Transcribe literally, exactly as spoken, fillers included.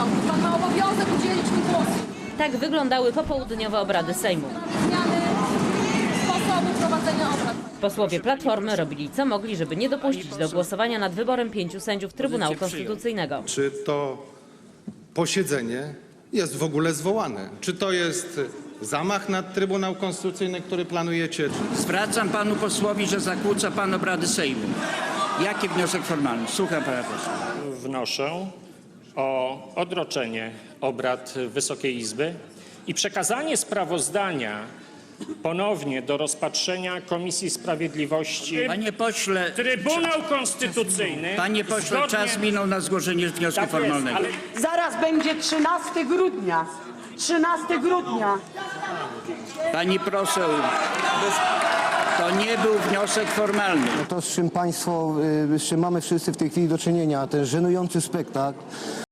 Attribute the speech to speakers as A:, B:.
A: marszałku. Pan ma obowiązek udzielić mi głosu.
B: Tak wyglądały popołudniowe obrady Sejmu.
A: Zmiany sposobu prowadzenia obrad.
B: Posłowie Platformy robili co mogli, żeby nie dopuścić do głosowania nad wyborem pięciu sędziów Trybunału Konstytucyjnego.
C: Czy to posiedzenie jest w ogóle zwołane? Czy to jest zamach na Trybunał Konstytucyjny, który planujecie?
D: Zwracam panu posłowi, że zakłóca pan obrady Sejmu. Jaki wniosek formalny? Słucham pana posła.
E: Wnoszę o odroczenie obrad Wysokiej Izby i przekazanie sprawozdania ponownie do rozpatrzenia Komisji Sprawiedliwości.
D: Panie pośle,
E: Trybunał Konstytucyjny.
D: panie pośle,
E: zgodnie-
D: czas minął na zgłoszenie wniosku
E: Tak jest,
D: formalnego.
E: ale
F: Zaraz będzie trzynastego grudnia. trzynastego grudnia.
D: Pani poseł, to nie był wniosek formalny.
G: To, z czym państwo, y, z czym mamy wszyscy w tej chwili do czynienia, ten żenujący spektakl.